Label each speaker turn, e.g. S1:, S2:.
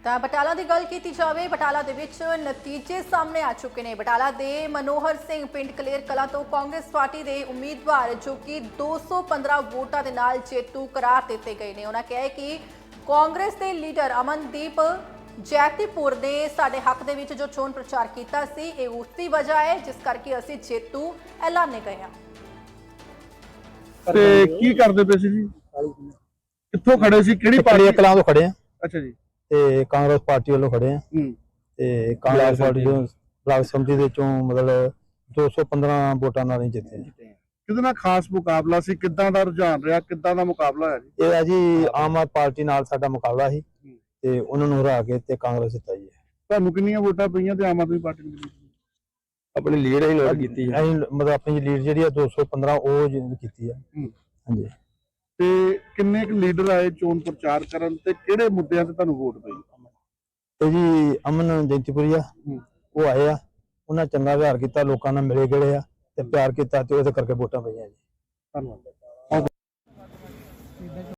S1: ਤਾਂ ਬਟਾਲਾ ਦੀ ਗੱਲ ਕੀਤੀ ਜਾਵੇ, ਬਟਾਲਾ ਦੇ ਵਿੱਚ ਨਤੀਜੇ ਸਾਹਮਣੇ ਆ ਚੁੱਕੇ ਨੇ। ਬਟਾਲਾ ਦੇ ਮਨੋਹਰ ਸਿੰਘ ਪਿੰਡ ਕਲੇਰ ਕਲਾਂ ਤੋਂ ਕਾਂਗਰਸ ਪਾਰਟੀ ਦੇ ਉਮੀਦਵਾਰ ਜੋ ਕਿ 215 ਵੋਟਾਂ ਦੇ ਨਾਲ ਜੇਤੂ ਕਰਾਰ ਦਿੱਤੇ ਗਏ ਨੇ। ਉਹਨਾਂ ਕਿਹਾ ਕਿ ਕਾਂਗਰਸ ਦੇ ਲੀਡਰ ਅਮਨਦੀਪ ਜੈਤੀਪੁਰ ਨੇ ਸਾਡੇ ਹੱਕ ਦੇ ਵਿੱਚ ਜੋ ਚੋਣ ਪ੍ਰਚਾਰ ਕੀਤਾ ਸੀ, ਇਹ ਉਸ ਦੀ ਵਜ੍ਹਾ ਹੈ ਜਿਸ ਕਰਕੇ ਅਸੀਂ ਜੇਤੂ ਐਲਾਨੇ ਗਏ ਹਾਂ।
S2: ਤੇ ਕੀ ਕਰਦੇ ਪਏ ਸੀ ਜੀ? ਕਿੱਥੋਂ ਖੜੇ ਸੀ? ਕਿਹੜੀ ਪਾਰਟੀ?
S3: ਕਲਾਂ ਤੋਂ ਖੜੇ ਆ।
S2: ਅੱਛਾ ਜੀ।
S3: ਤੇ ਕਾਂਗਰਸ ਪਾਰਟੀ ਵੱਲੋਂ ਖੜੇ ਆ। ਤੇ ਕਾਂਗਰਸ ਪਾਰਟੀ ਜੋ ਬਲਾਕ ਸਮਿਤੀ ਦੇ ਚੋਂ ਮਤਲਬ 215 ਵੋਟਾਂ ਨਾਲ ਹੀ ਜਿੱਤੇ।
S2: ਕਿਹਦੇ ਨਾਲ ਖਾਸ ਮੁਕਾਬਲਾ ਸੀ? ਕਿੱਦਾਂ ਦਾ ਰੁਝਾਨ ਰਿਹਾ? ਕਿੱਦਾਂ ਦਾ ਮੁਕਾਬਲਾ ਹੋਇਆ ਜੀ?
S3: ਇਹ ਹੈ ਜੀ ਆਮ ਆਦਮੀ ਪਾਰਟੀ ਨਾਲ ਸਾਡਾ ਮੁਕਾਬਲਾ ਸੀ ਤੇ ਉਹਨਾਂ ਨੂੰ ਹਰਾ ਕੇ ਤੇ ਕਾਂਗਰਸ ਜਿੱਤਾ ਜੀ।
S2: ਤੁਹਾਨੂੰ ਕਿੰਨੀਆਂ ਵੋਟਾਂ ਪਈਆਂ ਤੇ ਆਮ ਆਦਮੀ ਪਾਰਟੀ ਨੂੰ?
S3: ਆਪਣੀ ਲੀਡ ਹੀ ਨੋਟ ਕੀਤੀ ਹੈ। ਮਤਲਬ ਆਪਣੀ ਲੀਡ ਜਿਹੜੀ ਆ 215 ਉਹ ਕੀਤੀ ਆ। ਹਾਂਜੀ।
S2: ਤੇ ਕਿੰਨੇ ਕੁ ਲੀਡਰ ਆਏ ਚੋਣ ਪ੍ਰਚਾਰ ਕਰਨ ਤੇ ਕਿਹੜੇ ਮੁੱਦਿਆਂ ਤੇ ਤੁਹਾਨੂੰ ਵੋਟ ਪਈ?
S3: ਤੇ ਜੀ ਅਮਨ ਜੈਤੀਪੁਰੀਆ ਉਹ ਆਏ ਆ, ਉਹਨਾਂ ਚੰਗਾ ਵਿਹਾਰ ਕੀਤਾ, ਲੋਕਾਂ ਨਾਲ ਮਿਲੇ ਗਏ ਆ ਤੇ ਪਿਆਰ ਕੀਤਾ ਤੇ ਉਹਦੇ ਕਰਕੇ ਵੋਟਾਂ ਪਈਆਂ ਜੀ।
S2: ਧੰਨਵਾਦ।